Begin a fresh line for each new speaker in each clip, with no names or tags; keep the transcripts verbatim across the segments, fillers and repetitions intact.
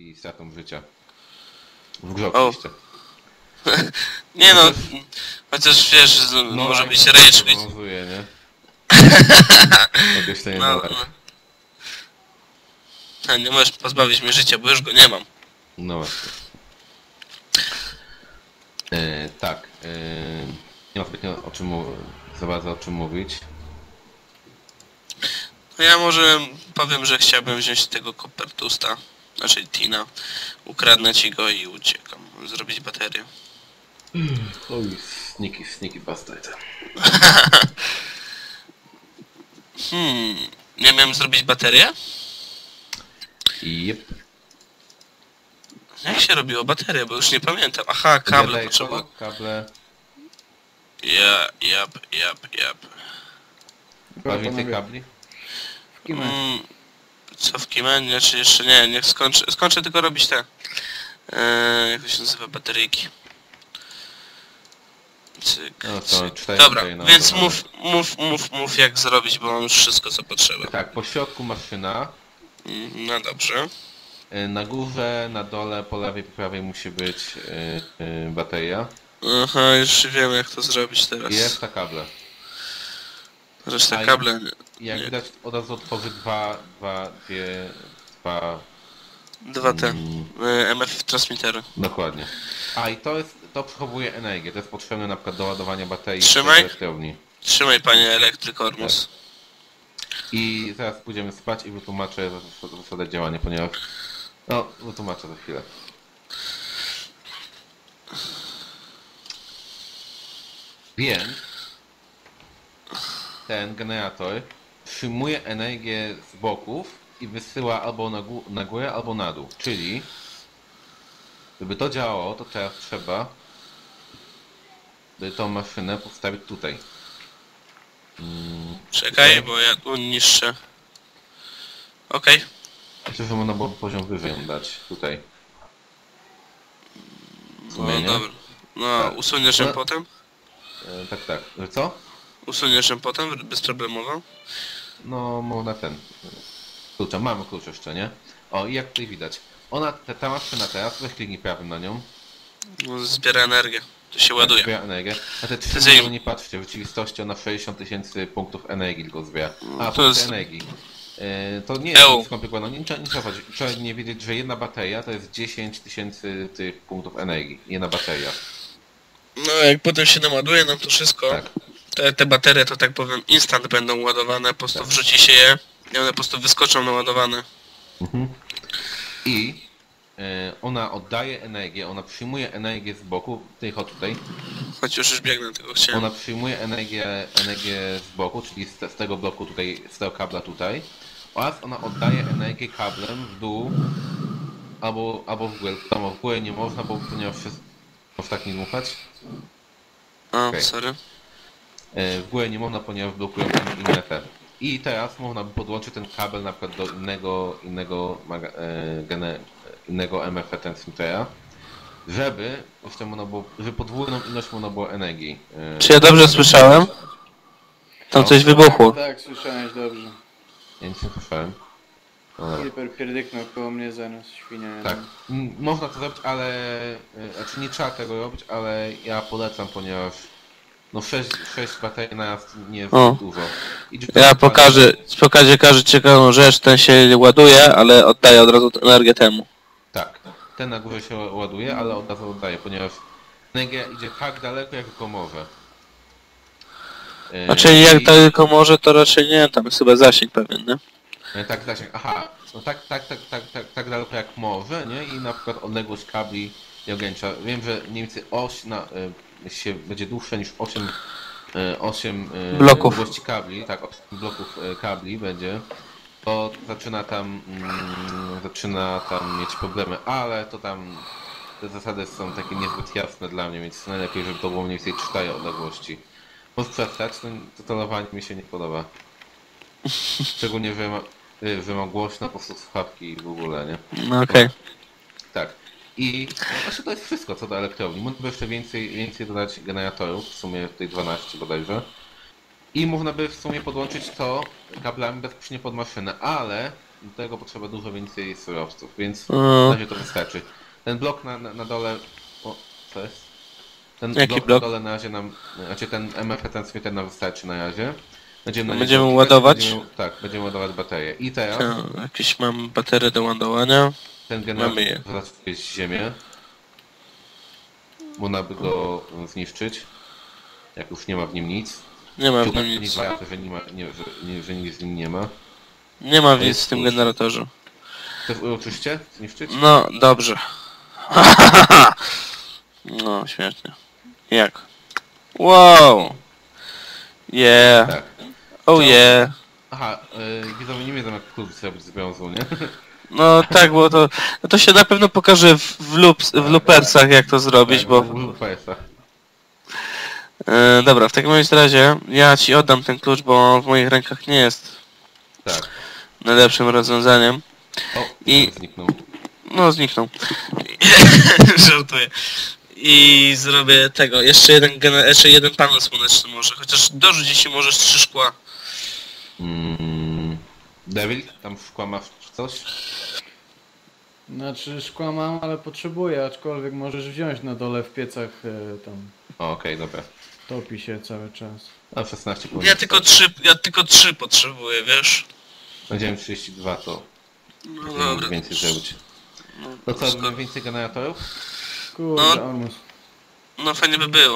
i stratą życia. W grze
O.
oczywiście.
Nie no, chociaż wiesz, z-
No,
może
jak
być
to
rage quit.
obowiązuje, nie? Określenie
No,
no,
no. A nie możesz pozbawić mnie życia, bo już go nie mam.
no właśnie. E, tak. E, nie ma zbytnio o czym mu- za bardzo o czym mówić.
No ja może powiem, że chciałbym wziąć tego Kopertusta, znaczy Tina, ukradnę ci go i uciekam. Zrobić baterię.
Oj, sneaky, sneaky bastard.
Hmm, nie miałem zrobić baterię?
Jep.
Jak się robiło baterię, bo już nie pamiętam. Aha, kable potrzebuję.
Kable.
Ja, jap, jap, jap.
Ma więcej kabli?
W kimę.
Mm, co w Kimenie, czy jeszcze nie? Niech skończę, skończę tylko robić te... Eee, jak to się nazywa? Bateryjki. Cyk,
No to
cyk.
cztery
Dobra,
tutaj na
więc
dole.
mów, mów, mów, mów jak zrobić, bo mam już wszystko co potrzeba.
Tak, po środku maszyna.
Mm, No dobrze.
E, Na górze, na dole, po lewej, po prawej musi być e, e, bateria.
Aha, już wiem jak to zrobić teraz.
I reszta kable.
Reszta
A i-
kable...
I jak
Nie.
widać od razu otworzy dwa, dwa, dwie, dwa,
Dwa te
Mm.
e, M F transmittery.
dokładnie. A i to jest, to przechowuje energię, to jest potrzebne na przykład do ładowania baterii
Trzymaj.
w elektrowni.
Trzymaj panie elektrykormus.
I zaraz pójdziemy spać i wytłumaczę zas- zasadę działania, ponieważ... No, wytłumaczę za chwilę. Więc ten generator przyjmuje energię z boków i wysyła albo na, gó na górę, albo na dół. Czyli, żeby to działało, to teraz trzeba by tą maszynę postawić tutaj. Mm,
Czekaj, bo ja tu niszczę. Okej.
myślę, że można było poziom wyżej ją dać tutaj. W sumie,
No
nie?
dobra. No,
Tak.
usuniesz ją
No.
potem?
E, tak, tak. Że co?
Usuniesz ją potem bezproblemowo?
No, można ten. Klucza, mamy klucz jeszcze, nie? O, i jak tutaj widać. Ona, ta, ta maszyna teraz, weź kliknij prawym na nią.
No, zbiera energię. To się ładuje.
Zbiera energię. A te trzy
Ty zajm-
miliony, nie patrzcie, w rzeczywistości ona sześćdziesiąt tysięcy punktów energii tylko zbiera. A,
To
punkty
jest-
energii. E, to nie jest
Eł.
nic skomplikowanego. Nie, trzeba- nie trzeba, chodzić. Trzeba nie wiedzieć, że jedna bateria to jest dziesięć tysięcy tych punktów energii. Jedna bateria.
No, jak potem się naładuje nam to wszystko,
Tak.
te, te baterie to tak powiem instant będą ładowane, po prostu
Tak.
wrzuci się je i one po prostu wyskoczą naładowane.
Mhm. I e, ona oddaje energię, ona przyjmuje energię z boku, tej chodź tutaj,
Choć już już biegnę, tego chciałem.
ona przyjmuje energię, energię z boku, czyli z, z tego bloku tutaj, z tego kabla tutaj, oraz ona oddaje energię kablem w dół, albo, albo w górę. Tam w górę nie można, bo ponieważ wszystko, może tak nie dmuchać.
A,
okej.
sorry.
E, W górę nie można, ponieważ blokują in- inne te. I teraz można by podłączyć ten kabel na przykład do innego, innego, maga- e, gene, innego M F transmittera, żeby, jeszcze można było, żeby podwójną ilość można było energii. e,
Czy ja dobrze słyszałem? Tam
No.
coś wybuchło.
Tak, słyszałeś dobrze.
Ja nic nie słyszałem. No dobra.
Creeper pierdyknął koło mnie zaraz, świnia. jedna.
Tak, m, można to zrobić, ale, e, znaczy nie trzeba tego robić, ale ja polecam, ponieważ no sześć, sześć baterii na raz nie jest
O.
dużo. I
Ja pokażę, pokażę każę ciekawą rzecz, ten się ładuje, ale oddaje od razu tę energię temu.
Tak, ten na górze się ładuje, ale od razu oddaje, ponieważ energia idzie tak daleko, jak tylko może. E,
Znaczy
i-
jak tylko może, to raczej nie, tam jest chyba zasięg pewien, nie?
e, Tak, zasięg, aha, no tak, tak, tak, tak, tak, tak daleko jak może, nie? I na przykład odległość kabli nie ogranicza. Wiem, że mniej więcej oś na, e, się będzie dłuższa niż osiem, e, osiem e,
Bloków.
długości kabli, tak, osiem bloków e, kabli będzie. To zaczyna tam, mm, zaczyna tam mieć problemy, ale to tam te zasady są takie niezbyt jasne dla mnie, więc najlepiej, żeby to było mniej więcej cztery odległości. Możesz przestać, to, to tonowanie mi się nie podoba. Szczególnie, że ma, y, że ma głośno po prostu słuchawki i w ogóle, nie?
No okej.
Tak. I no, właśnie to jest wszystko co do elektrowni. Można by jeszcze więcej, więcej dodać generatorów, w sumie tutaj dwanaście bodajże. I można by w sumie podłączyć to kablami bezpośrednio pod maszynę, ale do tego potrzeba dużo więcej surowców, więc
O.
na razie to wystarczy. Ten blok na, na, na dole... O, co jest? Ten
Jaki
blok,
blok?
na dole na razie nam... Znaczy ten M F transmitter nam wystarczy na razie. Będziemy, na niego
Będziemy
klikać i
ładować?
Będziemy, tak, będziemy ładować baterię. I teraz
Tak, jakieś mam baterie do ładowania.
ten generator
Mamy je.
wlatuje z ziemię. Można by go zniszczyć. Jak już nie ma w nim nic.
Nie ma w
Chyba
nim
nie
nic.
dwa, że, nie ma, nie, że, nie, że nic z nim nie ma.
Nie ma w
To
nic
jest
w tym
plus.
generatorze.
Chcesz uroczyście zniszczyć?
No, dobrze. No, śmiesznie. Jak? Wow! Yeah!
Tak.
Oh yeah!
Aha, yy, widzowie nie wiedzą jak klucz zrobić z brązu, nie?
No tak, bo to, no to się na pewno pokaże w, w, loops, w loopersach jak to zrobić,
Tak,
bo...
w Lupersach.
E, dobra, w takim bądź razie ja ci oddam ten klucz, bo on w moich rękach nie jest
Tak.
najlepszym rozwiązaniem.
O,
I-
I... zniknął.
No, zniknął. Żartuję. I zrobię tego, jeszcze jeden, gener- jeszcze jeden panel słoneczny może, chociaż dorzuć jeśli możesz trzy szkła.
Mm. Devil, tam w szkła masz coś?
Znaczy szkła mam, ale potrzebuję, aczkolwiek możesz wziąć na dole w piecach e, tam.
O, okej, dobra.
Topi się cały czas.
A szesnaście
Ja
powinno
tylko trzy, ja tylko trzy potrzebuję, wiesz?
Będziemy trzydzieści dwa, to
No
nie
dobra.
mogę więcej zrobić.
No,
To co,
skoro-
robimy więcej generatorów?
Kurde,
No.
Ormus.
no fajnie by było.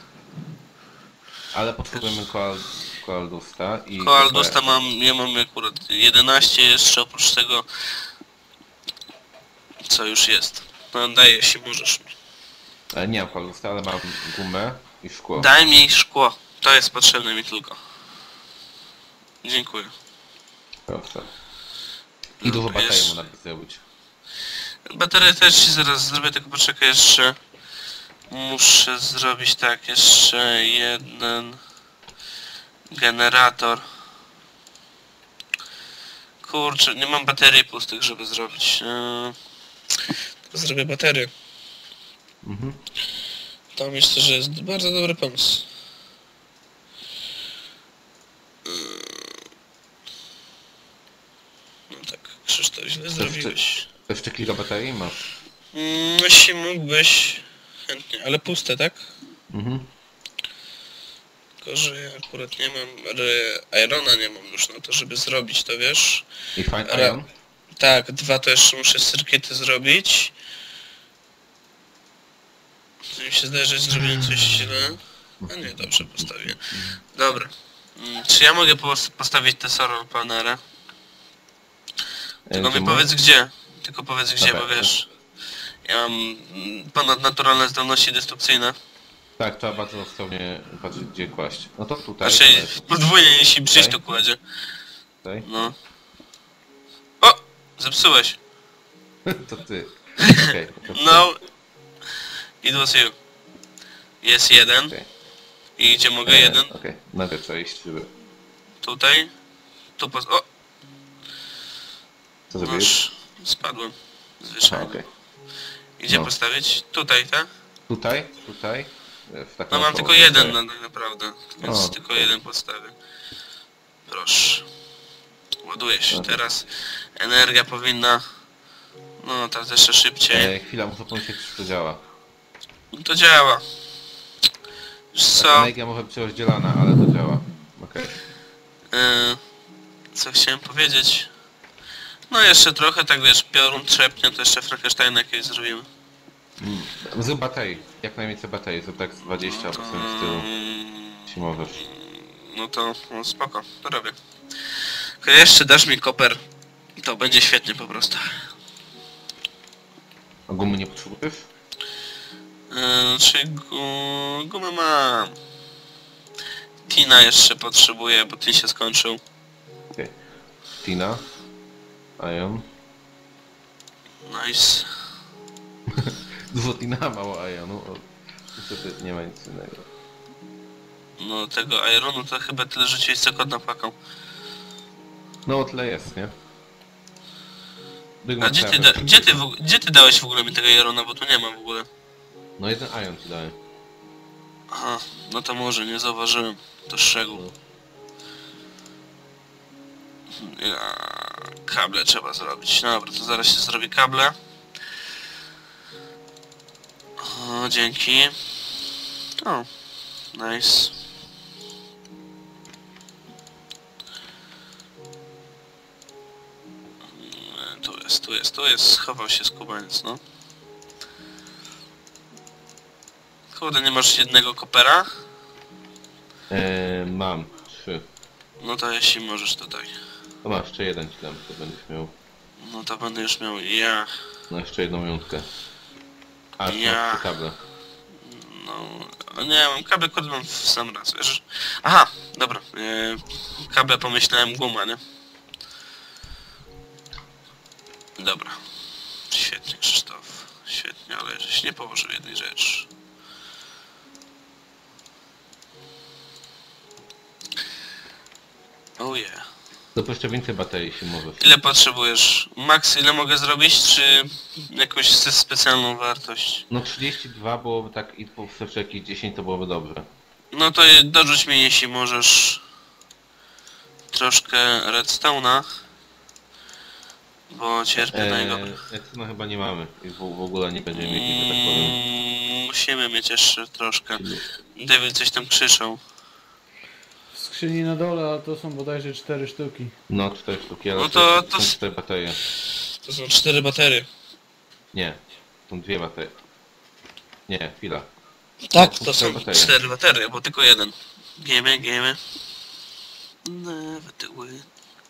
Ale potrzebujemy koal... koaldusta i...
Koaldusta mam, ja mam akurat jedenaście jeszcze oprócz tego, co już jest. No daję, jeśli możesz mi.
E, nie mam koaldusta, ale mam gumę i szkło.
Daj mi szkło, to jest potrzebne mi tylko. Dziękuję.
Proszę. I dużo
Dobra,
baterii
jest-
można by zrobić.
Baterię też ci zaraz zrobię, tylko poczekaj jeszcze. Muszę zrobić tak, jeszcze jeden generator. Kurczę, nie mam baterii pustych, żeby zrobić. Eee, to zrobię baterię.
Mhm.
To myślę, że jest bardzo dobry pomysł. Eee, No tak, Krzysztof, źle zrobiłeś.
To jeszcze kilka baterii masz?
Mm, Jeśli mógłbyś chętnie, ale puste, tak?
Mhm.
Tylko, że ja akurat nie mam, re- Irona nie mam już na to, żeby zrobić to, wiesz?
I fine
Ra-
iron?
Tak, dwa to jeszcze muszę circuity zrobić. To mi się zdaje, że zrobiłem coś źle. A nie, dobrze postawię. Dobra. Mm, Czy ja mogę pos- postawić te solar panele? Tylko
E,
mi
gdzie
powiedz gdzie. Tylko powiedz gdzie,
Dobra,
bo wiesz... Ja mam mm, ponadnaturalne zdolności destrukcyjne.
Tak, trzeba bardzo ostrożnie patrzeć gdzie kłaść. No to tutaj.
Znaczy,
tutaj,
podwójnie jeśli przyjść to
Tutaj?
kładzie.
tutaj.
No. O! Zepsułeś.
To ty. Okej. to ty.
No. It was you. Jest jeden.
Okej.
I gdzie mogę
E,
jeden?
Okej, najpierw trzeba iść, żeby...
Tutaj. Tu pos... O!
Co zrobiłeś?
Noż. Spadłem.
Aha,
Zwyczajnie.
okej.
I gdzie
No.
postawić? Tutaj, tak?
Tutaj, tutaj. e, W taką
No mam
około,
tylko jeden
tutaj.
no, tak naprawdę. Więc
O,
tylko
okej.
jeden postawię. Proszę. Ładuje się.
Dobra.
Teraz energia powinna... No, teraz jeszcze szybciej.
E, chwila, muszę pomyśleć czy to działa.
No to działa. Wiesz
Tak,
co?
energia może być rozdzielana, ale to działa. Okej.
Yy, co chciałem powiedzieć? No jeszcze trochę, tak wiesz, piorun trzepnie, to jeszcze Frankensteina jakieś zrobimy.
Mm. Zrób baterii. Jak najwięcej baterii. Zrób tak z dwadzieścia procent z tyłu.
Mm,
Jeśli możesz.
No to no spoko, to robię. Tylko jeszcze dasz mi koper i to będzie świetnie po prostu.
A gumy nie potrzebujesz?
Yy, czyli gu, gumę mam. Tina jeszcze potrzebuję, bo Tin się skończył.
Okej. Tina. Ion.
Nice.
Dużo Tina, mało Ionu. O, niestety nie ma nic innego.
No tego Ironu to chyba tyle rzuciłeś co kot napłakał.
No o tyle jest, nie? Big
A
Mac
gdzie ty,
Trapper.
da, gdzie, ty w, gdzie ty dałeś w ogóle mi tego Irona, bo tu nie ma w ogóle.
No jeden Ion ci dałem.
Aha, no to może, nie zauważyłem. To szczegół. Ja, kable trzeba zrobić. Dobra, to zaraz się zrobi kable. O, dzięki. O, nice. Tu jest, tu jest, tu jest. Schował się skubaniec, no. Kurde, nie masz jednego kopera?
Eee, mam trzy.
No to jeśli możesz tutaj.
To masz jeszcze jeden ci dam, to będziesz miał.
No to będę już miał ja.
No jeszcze jedną jątkę. A,
Ja.
ja. masz trzy kable.
No, a nie, mam kable, kurde, mam w sam raz, wiesz? Aha, dobra. E, kable pomyślałem guma, nie? Dobra. Świetnie, Krzysztof. Świetnie, ale żeś nie położył jednej rzeczy. Oh yeah.
To jeszcze więcej baterii się może.
Ile potrzebujesz? Max, ile mogę zrobić, czy jakąś spe- specjalną wartość?
No trzydzieści dwa byłoby tak i po prostu jakieś dziesięć to byłoby dobrze.
No to dorzuć mi, jeśli możesz, troszkę redstone'a, bo cierpię na jego...
Eee, no chyba nie mamy i w, w ogóle nie będziemy mieli, że tak powiem.
Mm, musimy mieć jeszcze troszkę. David coś tam krzyczał.
W skrzyni na dole, a to są bodajże cztery sztuki.
No cztery sztuki, ale
No to-
to,
to
są
s-
cztery baterie.
To są cztery baterie.
Nie, są dwie baterie. Nie, chwila.
Tak,
to
to
cztery
są
baterie.
cztery baterie, bo tylko jeden. Giemy, giemy. Never do it.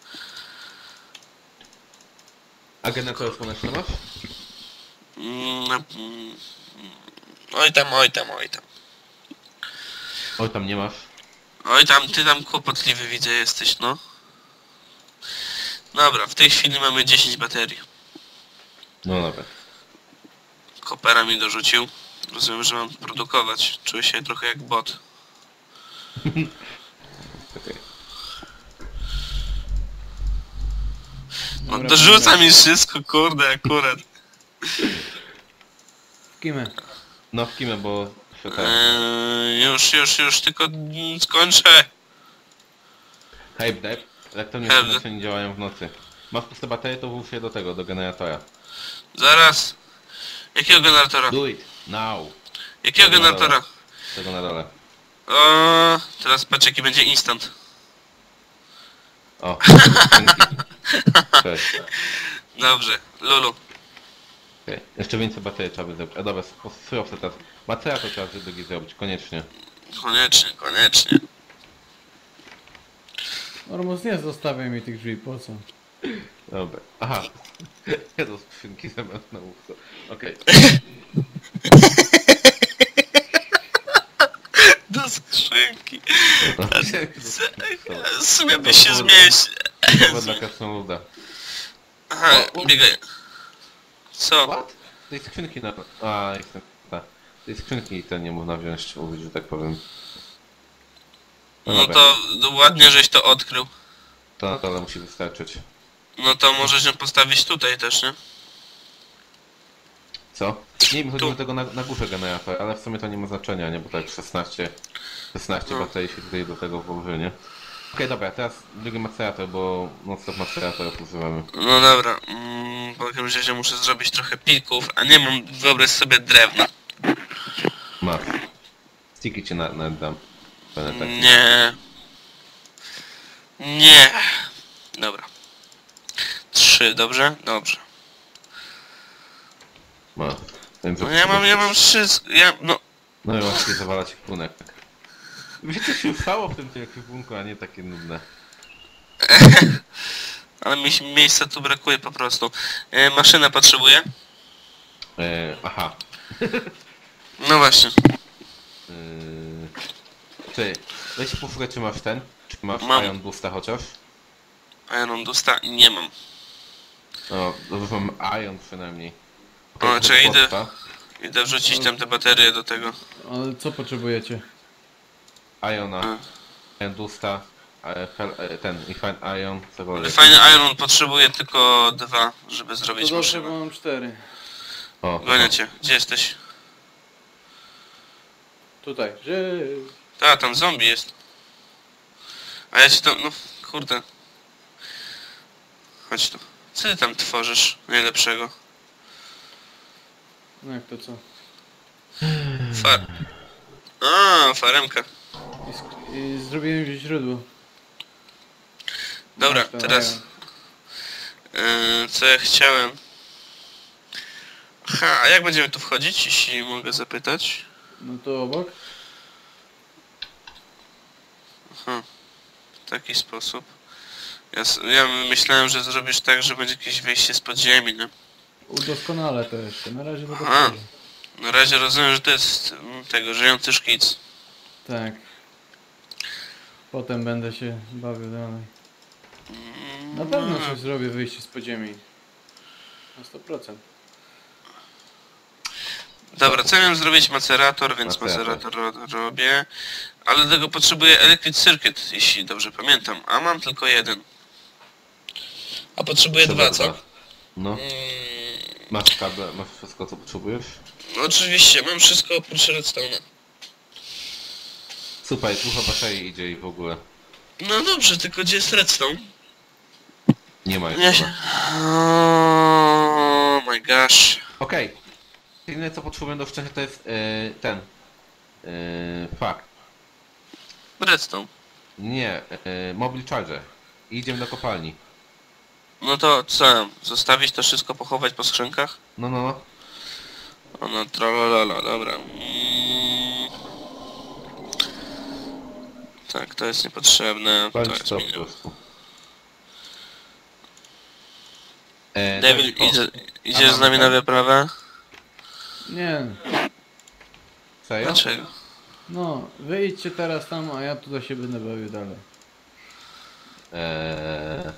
A generator słoneczny masz?
Mm, mm, Oj tam, oj tam, oj tam.
Oj, tam nie masz.
Oj tam, ty tam kłopotliwy widzę jesteś, no. Dobra, w tej chwili mamy dziesięć baterii.
No dobra.
Kopera mi dorzucił. Rozumiem, że mam produkować. Czuję się trochę jak bot.
Okej.
No
Dobra,
dorzuca
panowie.
mi wszystko, kurde, akurat.
W kimę.
No w kimę, bo... Tak.
Eee, już, już, już, tylko mm, skończę.
Hype Dev. Elektrownie
Hype
słoneczne nie działają w nocy. Masz puste baterie, to włóż je do tego, do generatora.
Zaraz. Jakiego generatora?
Do it! Now!
Jakiego
Tego na
generatora?
dole. Tego na dole.
O, teraz patrz jaki będzie instant.
O! Cześć.
Dobrze, Lulu.
Okay. Jeszcze więcej baterii trzeba by zrobić. A dobra, surowce teraz. Macerator trzeba drugi zrobić, koniecznie.
Koniecznie, koniecznie.
Ormus, nie zostawiaj mi tych drzwi, po co?
Dobra. Aha. Ja do skrzynki zamiast na łówce. Okej.
Do skrzynki.
Okay.
W sumie by się zmieścił.
Dobra dla krasnoluda.
Aha,
O, o.
biegaj. Co?
What? Tej skrzynki na... A, jestem... Ta. Tej skrzynki ten nie można wziąć, użyć, że tak powiem.
No
dobra.
to no ładnie, żeś to odkrył.
To na dole musi wystarczyć.
No to możesz ją postawić tutaj też, nie?
Co? Nie, mi chodzi
Tu.
o tego na, na górze generator, ale w sumie to nie ma znaczenia, nie? Bo tak szesnaście, szesnaście
No.
baterii się tutaj do tego włoży, nie? Okej, dobra, teraz drugi macerator, bo non-stop maceratorów używamy.
No dobra, mm, w każdym razie muszę zrobić trochę pilków, a nie mam, wyobraź sobie, drewna.
Masz. Sticky ci na, na dam. Będę tak.
Nie. Nie. Dobra. Trzy, dobrze? Dobrze.
Masz. Więc
No ja mam, ja mam wszystko, ja, no.
No i właśnie zawala ci płunek. Wiecie, się stało w tym ekwipunku, a nie takie nudne.
Ale mi się miejsca tu brakuje po prostu. E, maszyna potrzebuje?
E, aha.
No właśnie.
Yy... Ty, weź posłuchaj, czy masz ten? Czy masz
Mam.
Iron Boosta chociaż?
Iron Dusta? Nie mam.
No, dobrze, mam Iron przynajmniej.
O,
to
czekaj, idę,
potrwa.
idę wrzucić tam te baterie do tego.
Ale co potrzebujecie?
Iona,
A.
Iron Boosta, e, fel- e, ten, Refine Iron, cokolwiek.
Fajny Iron potrzebuje tylko dwa, żeby
To
zrobić
dobrze,
maszynę.
bo mam cztery.
O,
Gonię cię. Gdzie jesteś?
Tutaj. Że...
Ta, tam zombie jest. A ja ci tam, no kurde. chodź tu. Co ty tam tworzysz najlepszego?
No jak to co?
Far... A, faremka.
I, sk- i zrobiłem gdzieś źródło.
Dobra,
Masz to,
teraz... Yy, co ja chciałem? Aha, a jak będziemy tu wchodzić, jeśli mogę zapytać?
No to obok?
Aha, w taki sposób. Ja, s- ja myślałem, że zrobisz tak, że będzie jakieś wejście z podziemi, nie?
Udoskonale to jeszcze. Na razie to
Aha.
dobrze.
Na razie rozumiem, że to jest mm, tego, żyjący szkic.
Tak. Potem będę się bawił dalej. Na pewno coś zrobię wyjście z podziemi. Na sto procent.
Dobra, co miałem zrobić? Macerator, więc
Macerator.
macerator ro- robię. Ale do tego potrzebuję Electric Circuit, jeśli dobrze pamiętam. A mam tylko jeden. A potrzebuję
Trzeba
dwa, co?
dwa. No,
Mm,
masz kable, masz wszystko co potrzebujesz?
no oczywiście, mam wszystko oprócz redstone'a.
Super, tu chyba baterii idzie i w ogóle.
No dobrze, tylko gdzie jest redstone?
Nie ma
Ja
jeszcze.
się... Oh my gosh.
Okej. Jedyne co potrzebuję do szczęścia to jest yy, ten. Yy, fuck.
Redstone.
Nie, yy, mobile charger. I idziemy do kopalni.
No to co? Zostawić to wszystko, pochować po skrzynkach?
No, no, no.
O no, tralalala, dobra. Mm. Tak, to jest niepotrzebne, to
Palić
jest
to po
minimum.
prostu. E,
Devil,
tak, o,
idzie,
a
idziesz z
mamy
nami na
ten?
wyprawę?
Nie.
Serio?
Dlaczego?
No, wyjdźcie teraz tam, a ja tutaj się będę bawił dalej.
Eee,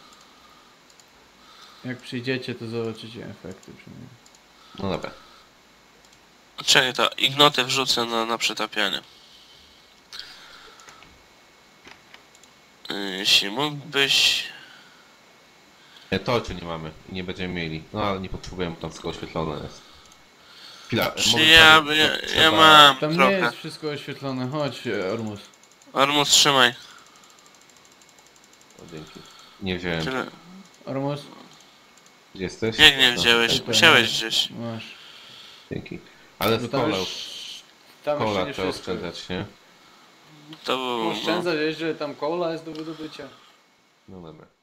Jak przyjdziecie, to zobaczycie efekty przynajmniej.
no dobra.
Czekaj, to ignoty wrzucę na, na przetapianie. Yy, Jeśli mógłbyś...
E, torczy nie mamy i nie będziemy mieli. No ale nie potrzebujemy, bo tam wszystko oświetlone jest. Chwila, e,
Czy
może
ja,
trzeba-
ja, ja
trzeba-
mam
Tam nie
trochę.
jest wszystko oświetlone. Chodź, e, Ormus.
Ormus, trzymaj.
O, dzięki. Nie wziąłem.
Tyle.
Ormus,
Gdzie jesteś?
Jak nie
No,
wziąłeś?
Tutaj.
Musiałeś gdzieś.
masz.
dzięki. Ale
Bo
w
tam
kole,
już... Tam jeszcze
kola
nie
trzeba
wszystko.
oszczędzać, nie?
To było...
Oszczędzać, że tam kola jest do wydobycia.
No dobra.